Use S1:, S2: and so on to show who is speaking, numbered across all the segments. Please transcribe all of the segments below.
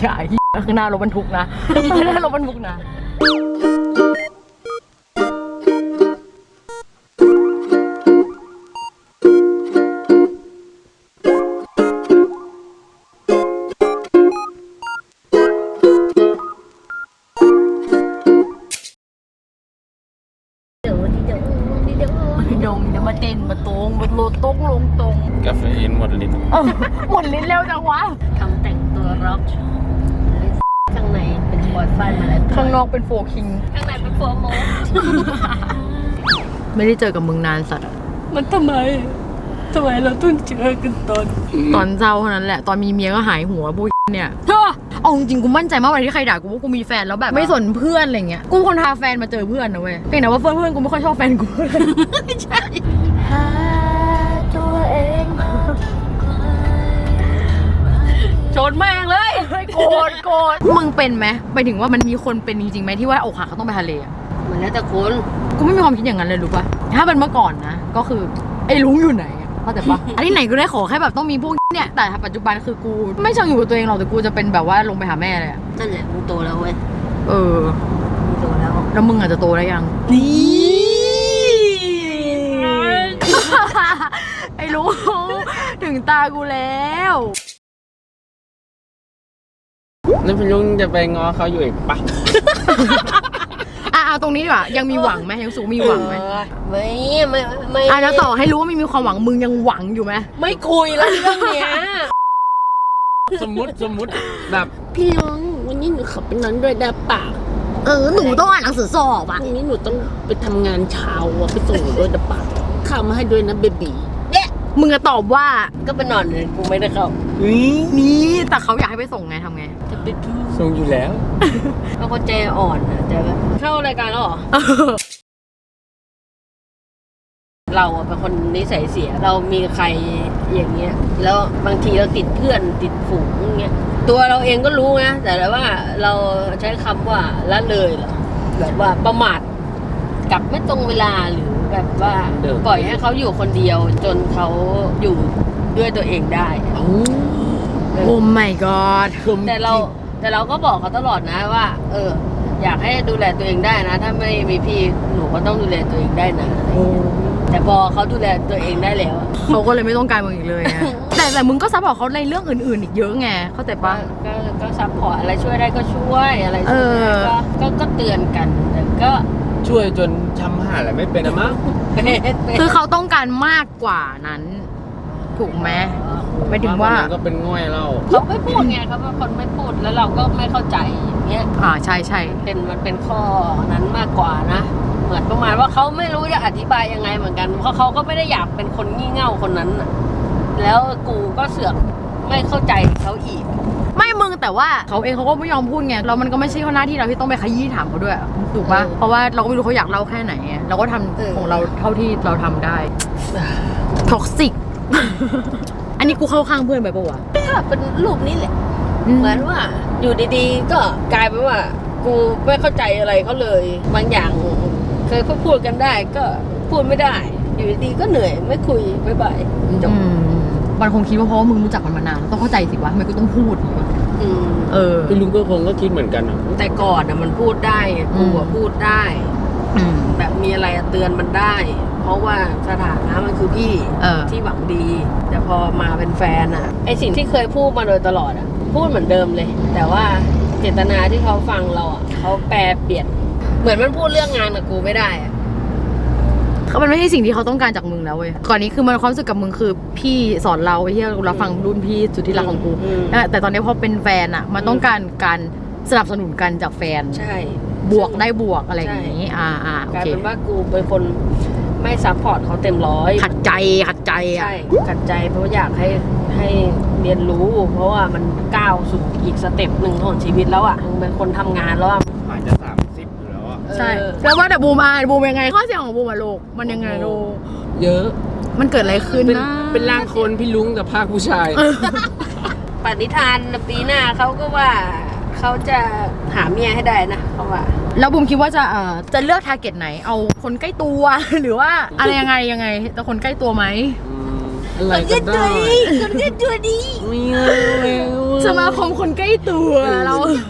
S1: ใช่ข้างหน้ารถบรรทุกนะข้างหน้ารถบรรทุกนะดงจะมาเต้นมาตรงมาโลตรงลงตรง
S2: กาแฟอินหมดลิ้น
S1: หมดลิ้นเร็วจังวะ
S3: ทำแต่งตัวร็อกข้างในเป็นบอยฟ้ามาแล้ว
S1: ข้างนอกเป็นโฟคิง
S3: ข้างในเป็นโฟโม
S1: ไม่ได้เจอกับมึงนานสัตว์
S3: มันทำไมเราต้องเจอกันตอน
S1: เศร้าเท่านั้นแหละตอนมีเมียก็หายหัวพวกเนี่ยเอาจริงกูมั่นใจมากวันที่ใครด่ากูว่ากูมีแฟนแล้วแบบไม่สนเพื่อนอะไรเงี้ยกูคนพาแฟนมาเจอเพื่อนนะเว้ยเพียงแต่ว่าเพื่อนกูไม่ค่อยชอบแฟนกู
S3: ใช่หาตัวเอง
S1: ชนแม่งเลยโกรธมึงเป็นไหมไปถึงว่ามันมีคนเป็นจริงๆไหมที่ว่าอกหักเขาต้องไปทะเล
S3: มันแล้วแต่คน
S1: กูไม่มีความคิดอย่างนั้นเลยรู้ป่ะถ้าเป็นเมื่อก่อนนะก็คือไอ้ลุงอยู่ไหนเข้าใจปะอันที่ไหนกูได้ขอแค่แบบต้องมีพวกเนี่ยแต่ปัจจุบันคือกูไม่เชิงอยู่กับตัวเองหรอกแต่กูจะเป็นแบบว่าลงไปหาแม่เลย
S3: นั่นแหละมึงโตแล้วเว้ยมึงโต
S1: แล้วมึงอาจจะโตได้ยังไอ้ลุงถึงตากูแล้ว
S2: แล้วพี่ลุงจะไปง้อเขาอยู่อีกปะ
S1: เอาตรงนี้ดีกว่ายังมีหวังไหมยังสูงมีหวังไหม
S3: ไม่
S1: แล้วต่อให้รู้ว่ามีความหวังมึงยังหวังอยู่ไหม
S3: ไม่คุยแล้วเรื่องเนี้ย
S2: สมมุติแบบ
S3: พี่ลุงวันนี้หนูขับไปนอนด้วยได้ปะ
S1: หนูต้องอ่านหนังสือสอบอ่ะ
S3: วันนี้หนูต้องไปทำงานเช้าไปส่งหนูด้วยได้ปะข้าวมาให้ด้วยนะเบบีเนี่ย
S1: มึงจะตอบว่า
S3: ก็ไปนอนเลยกูไม่ได้เข้า
S1: นี่แต่เขาอยากให้ไปส่งไงทำไง
S3: จะไปดู
S2: ส่งอยู่แล้ว
S3: แล้วก็ใจอ่อนนะใจแบบเข้ารายการแล้วเหรอเราเป็นคนนิสัยเสียเรามีใครอย่างเงี้ยแล้วบางทีเราติดเพื่อนติดฝูงอย่างเงี้ยตัวเราเองก็รู้นะแต่ว่าเราใช้คำว่าละเลยเหรอแบบว่าประมาทกลับไม่ตรงเวลาหรือแบบว่าปล่อยให้เขาอยู่คนเดียวจนเขาอยู่ด้วยตัวเองได้
S1: โอ้ my god
S3: แต่เราก็บอกเขาตลอดนะว่าอยากให้ดูแลตัวเองได้นะถ้าไม่มีพี่หนูก็ต้องดูแลตัวเองได้นะแต่พอเขาดูแลตัวเองได้แล้ว
S1: เขาก็เลยไม่ต้องการมึงอีกเลยแต่มึงก็ซัพพอร์ตเขาในเรื่องอื่นๆอีกเยอะไงเข้าใจปะ
S3: ก็ซัพพอร์ตอะไรช่วยได้ก็ช่วยอะไรช่วยก็เตือนกันแต่ก็
S2: ช่วยจนทำหาอะไรไม่เป็นอะมั้ง
S1: คือเขาต้องการมากกว่านั้นถูกไหมไม่ถึงว่า
S2: ก็เป็นง่อยเรา
S3: เขาไม่พูดไงเขาเป็นคนไม่พูดแล้วเราก็ไม่เข้าใจอย่างเงี้ย
S1: ใช่
S3: มันเป็นข้อนั้นมากกว่านะเหมือนประมาณว่าเขาไม่รู้จะอธิบายยังไงเหมือนกันเพราะเขาก็ไม่ได้อยากเป็นคนงี่เง่าคนนั้นน่ะแล้วกูก็เสือกไม่เข้าใจเขาอีก
S1: ไม่มึงแต่ว่าเขาเองเขาก็ไม่ยอมพูดไงแล้วมันก็ไม่ใช่หน้าที่เราที่ต้องไปขยี้ถามเขาด้วยถูกปะเพราะว่าเราก็ไม่รู้เขาอยากเล่าแค่ไหนเราก็ทำของเราเท่าที่เราทำได้ท็อกซิกอันนี้กูเข้าข้างเพื่อนไปปะวะ
S3: ก็เป็นรูปนี้แหละเหมือนว่าอยู่ดีๆก็กลายเป็นว่ากูไม่เข้าใจอะไรเขาเลยบางอย่างเคยพูดกันได้ก็พูดไม่ได้อยู่ดีๆก็เหนื่อยไม่คุยบ๊ายบายจบ
S1: มันคงคิดว่าเพราะว่ามึงรู้จักมันมานานต้องเข้าใจสิวะทำไมกูต้องพูด
S2: พี่ลุงก็คงก็คิดเหมือนกัน
S3: แต่ก่อนมันพูดได้กูพูดได้แบบมีอะไรเตือนมันได้เพราะว่าสถานะมันคือพี่ที่หวังดีแต่พอมาเป็นแฟนไอสิ่งที่เคยพูดมาโดยตลอดพูดเหมือนเดิมเลยแต่ว่าเจตนาที่เขาฟังเราเขาแปลเปลี่ยนเหมือนมันพูดเรื่องงานกับกูไม่ได้
S1: มันไม่ใช่สิ่งที่เขาต้องการจากมึงแล้วเว้ยก่อนนี้คือมันความรู้สึกกับมึงคือพี่สอนเราไอ้ที่เราฟังรุ่นพี่สุดที่รักของกูแต่ตอนนี้พอเป็นแฟนมันต้องการสนับสนุนกันจากแฟน
S3: ใช่
S1: บวกได้บวกอะไรอย่างนี้
S3: โอเคกลายเป็นว่ากูเป็นคนไม่ซัพพอร์ตเขาเต็มร้อย
S1: ขัดใจ
S3: ใช่ขัดใจเพราะอยากให้เรียนรู้เพราะว่ามันก้าวสู่อีกสเต็ปหนึ่งของชีวิตแล้วมึงเป็นคนทำงานแล้ว
S2: อาจจะ30อยู่แล้ว
S1: ใช่แล้วว่าแต่บูมยังไงข้อเสียของบูมลูกมันยังไงลูก
S2: เยอะ
S1: มันเกิดอะไรขึ้นนะ
S2: เป็นร่างคนพี่ลุงกับภาคผู้ชาย
S3: ปณิธานปีหน้าเขาก็ว่าเขาจะหาเมียให้ได้นะเขาว่า
S1: แล้วบูมคิดว่าจะเลือกทาร์เก็ตไหนเอาคนใกล้ตัวหรือว่าอะไรยังไงแต่คนใกล้ตัวไหม
S2: อะไรก็ได้
S3: คนแค่ตัวดี
S2: ไม่เอาแล้ว
S1: สมาคมคนใกล้ตัวเรา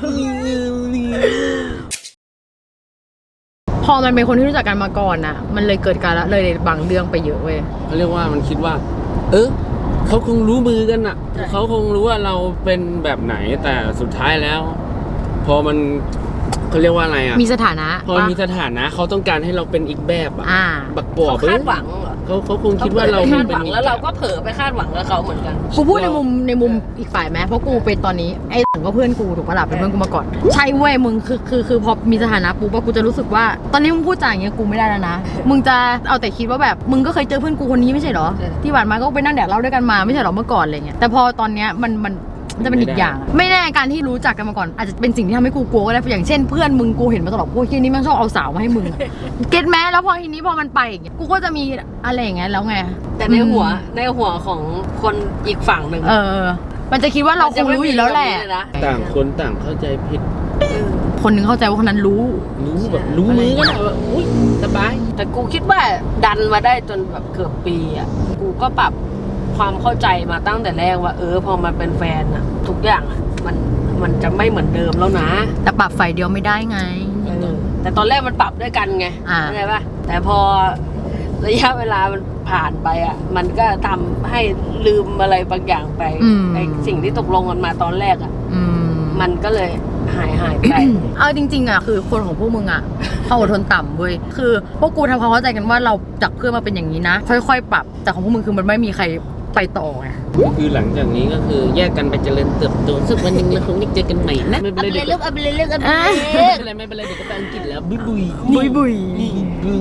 S1: พอมันเป็นคนที่รู้จักกันมาก่อนน่ะ มันเลยเกิดการละเลยบางเรื่องไปเยอะเว้ย
S2: เขาเรียกว่ามันคิดว่า เขาคงรู้มือกันอ่ะเขาคงรู้ว่าเราเป็นแบบไหนแต่สุดท้ายแล้ว พอมันเขาเรียกว่าอะไรอ่ะ
S1: มีสถานะ
S2: พอมีสถานะเขาต้องการให้เราเป็นอีกแบบอ่ะ
S1: อ่า
S2: บักปอบ
S3: คาดหวังเหรอ
S2: เขาคงคิดว่าเรา
S3: คาดห
S2: เป็
S3: วัน ง
S2: อีก
S3: แล้วเราก็เผลอไปคาดหวังกับเขาเหมือนกัน
S1: กูพูดในมุมอีกฝ่ายไหมเพราะกูเป็นตอนนี้ไอ้ถึงก็เพื่อนกูถูกปะล่ะเป็นเพื่อนกูมาก่อนใช่เว้ยมึงคือพอมีสถานะปุ๊บกูจะรู้สึกว่าตอนนี้มึงพูดจาอย่างเงี้ยกูไม่ได้แล้วนะมึงจะเอาแต่คิดว่าแบบมึงก็เคยเจอเพื่อนกูคนนี้ไม่ใช่เหรอ
S3: ใช่
S1: ที่ผ่านมาก็ไปนั่งแดกเหล้าด้วยกันมาไม่ใช่เหรอเมื่อก่อนอะไรเงี้ยแต่พอตอนเนี้ยมันจะเป็นอีกอย่างอะไม่แน่การที่รู้จักกันมาก่อนอาจจะเป็นสิ่งที่ทำให้กูกลัวก็ได้อย่างเช่นเพื่อนมึงกูเห็นมาตลอดพวกที่นี่มันชอบเอาสาวมาให้มึงอะเก็ตแม้แล้วพอทีนี้พอมันไปอย่างเงี้ยกูก็จะมีอะไรอย่างเงี้ยแล้วไง
S3: แต่ในหัวของคนอีกฝั่งหนึ่ง
S1: มันจะคิดว่าเราคงรู้อยู่แล้วแหละ
S2: ต่างคนต่างเข้าใจผิด
S1: คนหนึงเข้าใจว่าคนนั้นรู้
S2: แบบรู้มือกันอะแบบอุ้ยสบาย
S3: แต่กูคิดว่าดันมาได้จนแบบเกือบปีอ่ะกูก็ปรับความเข้าใจมาตั้งแต่แรกว่าพอมาเป็นแฟนอ่ะ ทุกอย่างอ่ะมันจะไม่เหมือนเดิมแล้วนะ
S1: แต่ปรับฝ่ายเดียวไม่ได้ไง
S3: แต่ตอนแรกมันปรับด้วยกันไง
S1: อ่า
S3: เข้าใจป่ะแต่พอระยะเวลามันผ่านไปอ่ะมันก็ทำให้ลืมอะไรบางอย่างไปไอสิ่งที่ตกลงกันมาตอนแรกอ่ะ มันก็เลยหายไป
S1: เอาจริงๆอ่ะคือคนของพวกมึงอ่ะเขาอดทนต่ำเว้ยคือพวกกูทำความเข้าใจกันว่าเราจากเพื่อนมาเป็นอย่างนี้นะค่อยๆปรับแต่ของพวกมึงคือมันไม่มีใครไปต่อไง
S2: ก็คือหลังจากนี้ก็คือแยกกันไปเจริญเติบโตสักวันหนึงเราคงได้เจอกันใหม่นะไม่เป็นไรเดี๋ยวก็ไม่เป็นไรเดี๋ยวก็ไปอังกฤษแล้วบุย
S1: บุย
S2: นี่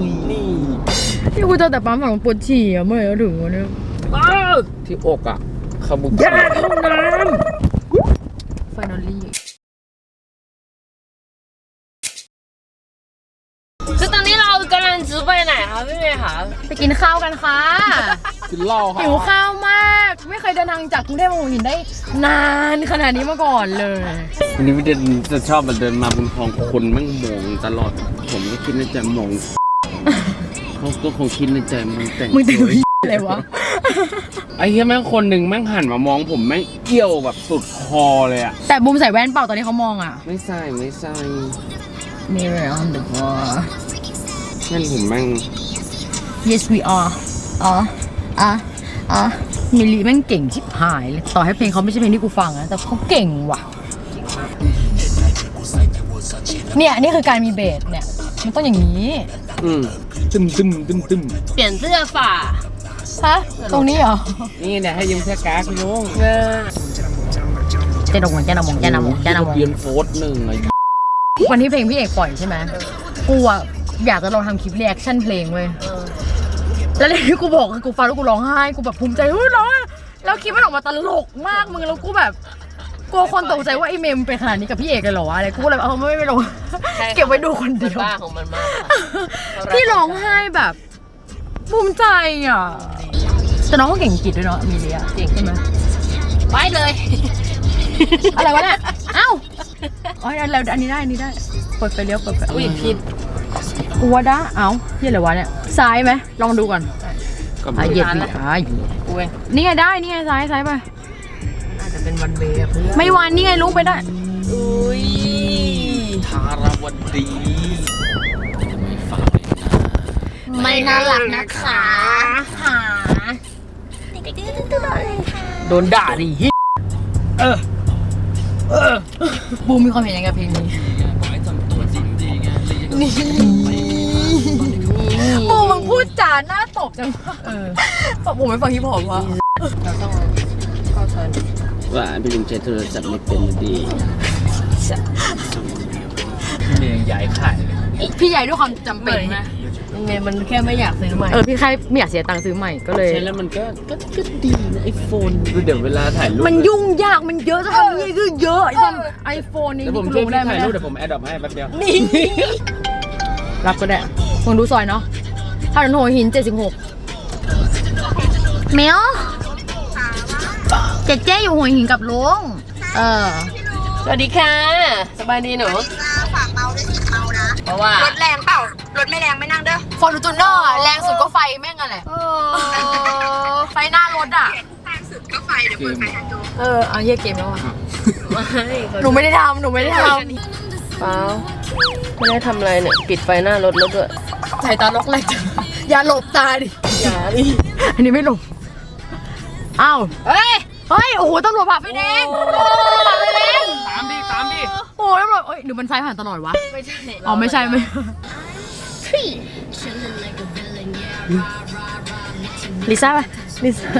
S1: กูเจอแต่ปั๊มของปวดฉี่อ่ะเมื่อไหร่ถึงวันนี้
S2: ที่อกอ่ะขบุก
S1: ห้องน้ำ finally
S3: คือตอนนี้เรากำลังจะไปไหนคะพี่เมย์คะ
S1: ไปกินข้าวกันค่ะ
S2: กินเหล้าค่ะ
S1: หิวข้าวมาก ไม่เคยเดินทางจากกรุงเทพมาหัวหินได้นานขนาดนี้มาก่อนเลย
S2: วันนี้พี่จะชอบมาเดินมาบนคลองคนแม่งมองตลอด ผมก็คิดในใจมองเขาก็คงคิดในใจมึงแต่ง
S1: มึงจะ
S2: สวย
S1: อะไรวะ
S2: ไอ้เหี้ยแม่งคนหนึ่งแม่งหันมามองผมแม่งเอี้ยวแบบสุดคอเลยอ่ะ
S1: แต่บูมใส่แว่นเปล่าตอนนี้เขามองอ่ะ
S2: ไม่ใส่
S1: Mirror on the wall
S2: นั่นผมแม่ง
S1: Yes we are มิลลีแม่งเก่งชิบหายเลยต่อให้เพลงเขาไม่ใช่เพลงที่กูฟังนะแต่เขาเก่งว่ะเนี่ยนี่คือการมีเบสเนี่ยมันต้องอย่างนี้
S2: ตึม
S3: เปลี่ยนเสื้อฝ่า
S1: ฮะตรงนี้เหรอ
S2: นี่เนี่ยให้ยืมเสื้อกากพี่ลุง
S1: เจนมง
S2: เรียนโฟร์หนึ่งไอ้
S1: วันที่เพลงพี่เอกปล่อยใช่ไหมกูอะอยากจะลองทำคลิปรีแอคชั่นเพลงเว้ยแล้วที่กูบอกคือกูฟังแล้วกูร้องไห้กูแบบภูมิใจเฮ้ยร้องแล้วคลิปมันออกมาตลกมากมึงแล้วกูแบบกลัวคนตกใจว่าไอ้เมมเป็นขนาดนี้กับพี่เอกเลยเหรอวะอะไรกูก็เลยเอาไม่ลงเก็บไว้ดูคนเดียว
S3: บ้าของมันมาก
S1: พี่ร้องไห้แบบภูมิใจอ่ะแต่น้องก็เก่งอังกฤษด้วยเนาะมีเลียเก่งใช่ไหม
S3: ไปเลย
S1: อะไรวะเนี่ยเอ้าอ๋ออันนี้ได้เปิดไฟเลี้ยวเปิดไฟ
S3: อุ้ยผิด
S1: กูว่าได้เอ้าเฮียอะไรวะเนี่ยซ้ายไหมลองดูก่อน
S2: ก็
S1: เหยียบดิ
S3: กูเอง
S1: นี่ไงได้นี่ไงซ้ายไป
S3: อาจจะเป็นวันเวย์เพื่อน
S1: ไม่วันนี่ไงลุกไปได้
S3: อุ้ย
S2: ทารวันดี
S1: ไม่น่ารักนะคะหา
S3: โดนด่าดิ
S1: บูมมีความเห็นยังไงกับเพลงนี้บูมมึงพูดจาหน้าตบจังบูมไม่ฟังฮิปฮอปวะ
S3: เราต้องเข้าเทิร์น
S2: ว่าพี่ลุงใช้โทรศัพท์ไม่เป็นดี
S4: เมียใหญ่ขายเลย
S1: พี่ใหญ่ด้วยความจำเป็นไหม
S3: เมย์มันแค่ไม่อยากซื้อใหม่
S1: พี่ใครไม่อยากเสียตังค์ซื้อใหม่ก็เลย
S2: ใช้แล้วมันก็ดีนะไอโฟนเดี๋ยวเวลาถ่ายรูป
S1: มันยุ่งยากมันเยอะจะทำนี่คือเยอะไอ้ทำไอโฟนนี่
S2: เดี๋ยวผม
S1: กู
S2: ช่วย
S1: รู้
S2: พี่
S1: ได้ไหม
S2: ถ่ายรูปเดี๋ยวผมแอดดอปให้แป๊บเดียว
S1: รับก็ได้มึงดูซอยเนาะถนนหัวหิน76เมียวเจ๊อยู่หัวหินกับลุง
S3: สวัสดีค่ะ สบายดีหนู
S5: ฝากเมาด้วยสิเมานะ
S3: เพราะว่าร
S5: ถแรงเปล่ารถไม่แรงไม่นั่งเด้อ
S1: ฟอร์จูเนอร์แรงสุดก็ไฟแม่งอะไรไฟหน้ารถอ่ะ
S5: ทางสุดก็ไฟเดี๋ยวเปิดไฟทางโจ
S1: เอาเยี่ยเกมแล้วอ่ะ
S3: ไม่
S1: หนูไม่ได้ทำ
S3: เปล่าไม่ได้ทำอะไรเนี่ยปิดไฟหน้ารถแล้วด้วย
S1: ใส่ตาล็อกแรกอย่าหลบตาดิ
S3: อย่าดิ
S1: อันนี้ไม่หลบ อ้าว เฮ้ย โอ้โหตำรวจผ่าไฟแดงผ่าไฟแดง
S2: ตามดิ
S1: โอ้โหตำรวจหรือมันไฟผ่านตลอดวะ
S3: ไม่ใช่
S1: อ๋อ ไม่ใช่ ลิซ่าป่ะลิซ่า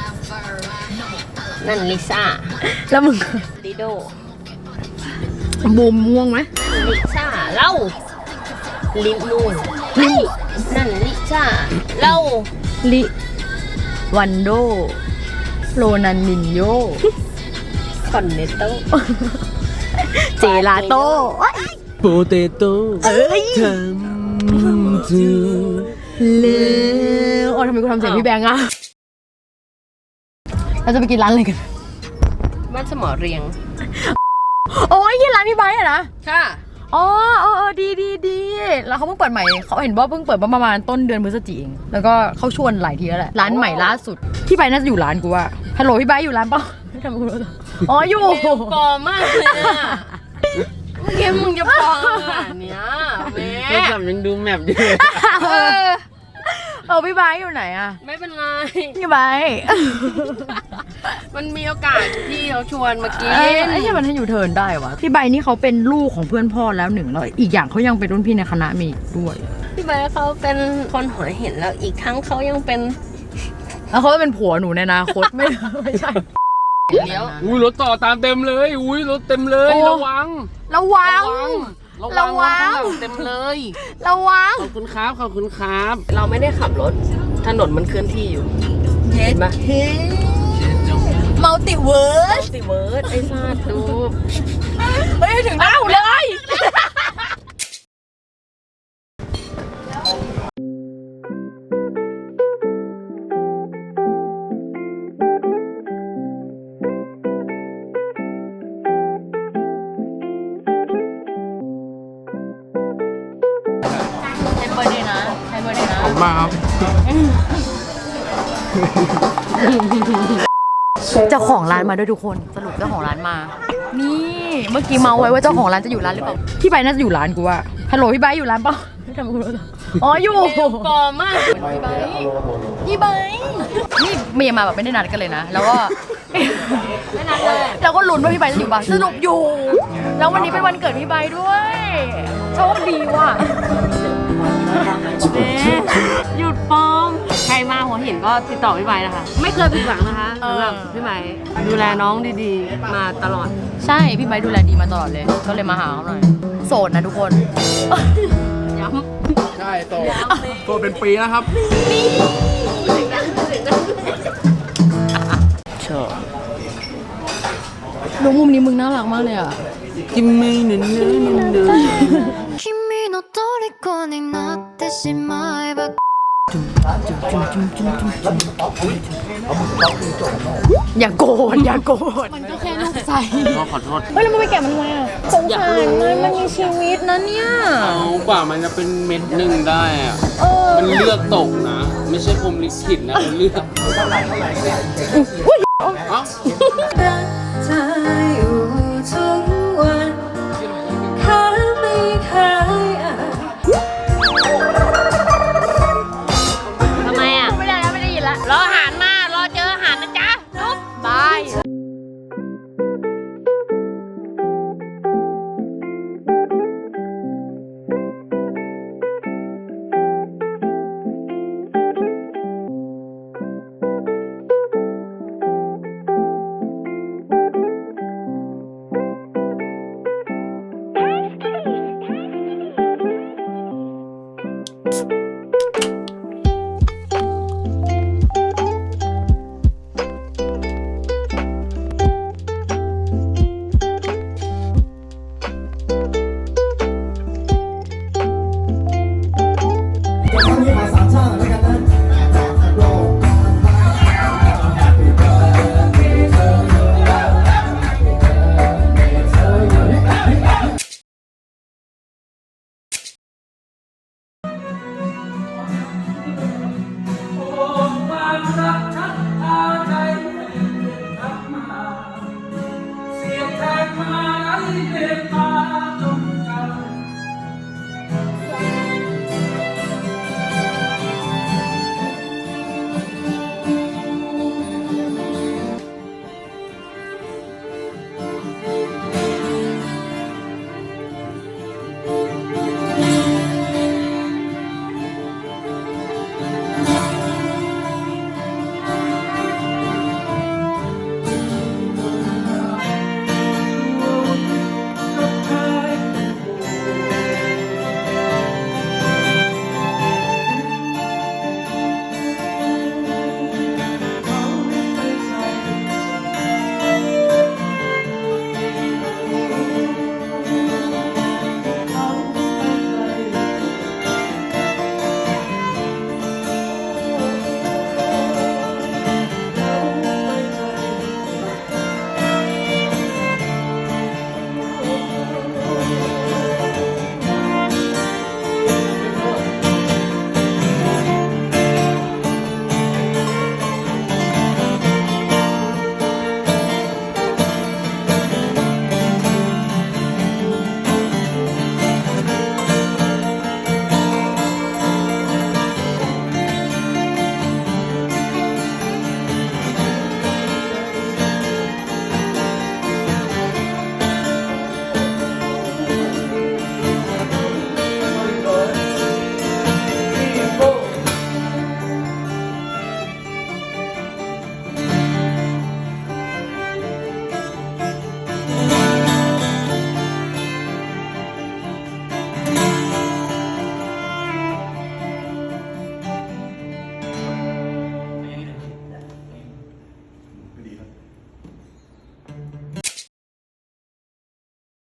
S3: นั่นลิซ่า
S1: แล้วมึง
S3: ดิโด
S1: บูมม่วงไหม
S3: ลิซ่าเล่าลินูนนั่นลิซ่าเล่า
S1: ลิวันโด โรนันนินโย
S3: คอนเนตโต
S1: เจลาโต้
S2: โปเตโต้
S1: เอ้ย
S2: ทำจู
S1: เลวอ๋อทำไมกูทำเสียงพี่แบงค์อะเราจะไปกินร้านอะไรกัน
S3: บ้านสมอเรียง
S1: โอ้ยกินร้านพี่ไบค์อะนะ
S3: ค่ะ
S1: อ๋อดีแล้วเขาเพิ่งเปิดใหม่เขาเห็นว่าเพิ่งเปิดประมาณต้นเดือนพฤศจิกายนแล้วก็เขาชวนหลายทีแล้วแหละร้านใหม่ล่าสุดพี่ไบค์น่าจะอยู่ร้านกูว่าฮัลโหลพี่ไบค์อยู่ร้านเปล่าทำไมกูรู้ตัวอ๋ออยู่
S3: ปลอมมากเลยอะเมื่อกี้มึงจะปลอมขนาดเนี้ยแม่
S2: โทรศัพท์ยังดูแมปอยู่เลย
S1: พี่ไบค์อยู่ไหนอะ
S3: ไม่เป็นไร
S1: พี่ไบค์
S3: มันมีโอกาสที่เขาชวนมากิน
S1: ไอ้ที่มันให้อยู่เทิร์นได้วะพี่ไบค์นี่เขาเป็นลูกของเพื่อนพ่อแล้วหนึ่งแล้วอีกอย่างเขายังเป็นรุ่นพี่ในคณะมีอีกด้วย
S3: พี่ใบเขาเป็นคนหัวเห็นแล้วอีกทั้งเขายังเป็น
S1: แล้วเขาจะเป็นผัวหนูในอนาคตไม่ใช่
S3: เลี้ยว
S2: อุ้ยรถต่อตามเต็มเลย อุ้ยรถเต็มเลย
S1: โอ้
S2: ระวัง
S1: ระวัง
S2: ระวังเต็มเลย
S1: ระวัง
S2: ขอบคุณครับ ขอบคุณครับ
S3: เราไม่ได้ขับรถถนนมันเคลื่อนที่อยู่เห็นไหม
S1: มัลติเวิร์ส
S3: สิเวิร์ดไอ้ซาดดู
S1: เฮ้ยถึงหน้าหนูเลย ใช้เบอร์เดย์นะ ใช้เบอร์เดย์นะ
S2: ขอบคุณมากครับ
S1: เจ้าของร้านมาด้วยทุกคน สรุปเจ้าของร้านมา นี่เมื่อกี้เมาไว้ว่าเจ้าของร้านจะอยู่ร้านหรือเปล่า พี่ไบร์ทน่าจะอยู่ร้านกูว่าฮัลโหลพี่ไบร์ทอยู่ร้านเปล่าทำไมกูรู้ตัวอ๋ออยู่
S3: ปลอมมาก
S1: พี่ไบร์ทนี่เมียมาแบบไม่ได้นัดกันเลยนะ แล้วก็
S3: ไม่นัดเลย
S1: เราก็ลุ้นว่าพี่ไบร์ทจะอยู่บ้างสรุปอยู่ แล้ววันนี้เป็นวันเกิดพี่ไบร์ทด้วยโชคดีว่ะ
S3: หยุดปลอมใครมาหัวหินก็ติดต่อพี่ใบนะคะ ไม่เคยผิดหวังนะคะสำหรับพี่ใบดูแลน้องดีๆ มาตลอด
S1: ใช่พี่ไบร์ทดูแลดีมาตลอดเลย ก็เลยมาหาเขาหน่อยโสดนะทุกคน
S3: ย้ำ
S2: ใช่โตโตเป็นปีนะครับ
S3: ชอบ
S1: ดูมุมนี้มึงน่ารักมากเลยอ่ะ
S2: กิมมี่เนื้อ
S6: 君の虜になってしまえば
S1: อย่าโกรธอย่าโกรธมันก็แค่ลูกใส่
S2: ก็ขอโทษ
S1: เฮ้ยแล้วมึงไปแกะมันทำไมอ่ะสงสารมันมีชีวิตนะเนี่ย
S2: เอากว่ามันจะเป็นเม็ดหนึ่งได้อะมันเลือกตกนะ ไม่ใช่พรหมลิขิตนะมันเลือกเอ้า
S6: เธออยู่ทุกวันแค่ไม่เคยอ่าน
S3: ทำไมอ่ะ
S1: ไม่ได้แล้วไม่ได้ยินละ
S3: รออาหารมารอเจออาหารนะจ๊ะจุ๊บบ
S1: าย
S6: เ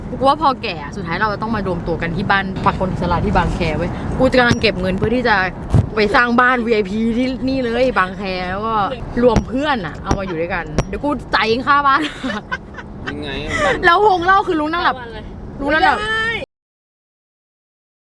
S1: กูว่าพอแก่สุดท้ายเราจะต้องมารวมตัวกันที่บ้านปักคนอิสระที่บางแคเว้ยกูจะกำลังเก็บเงินเพื่อที่จะไปสร้างบ้าน VIP ที่นี่เลยบางแคแล้วก็รวมเพื่อนอะเอามาอยู่ด้วยกันเดี๋ยวกูจ่ายเองค่าบ้าน
S2: ยังไง
S1: แล้ววงเล่าคือลุงนั่งหลับ
S3: วันเลย
S1: ลุงนั่งหลับ
S3: ไม่ได้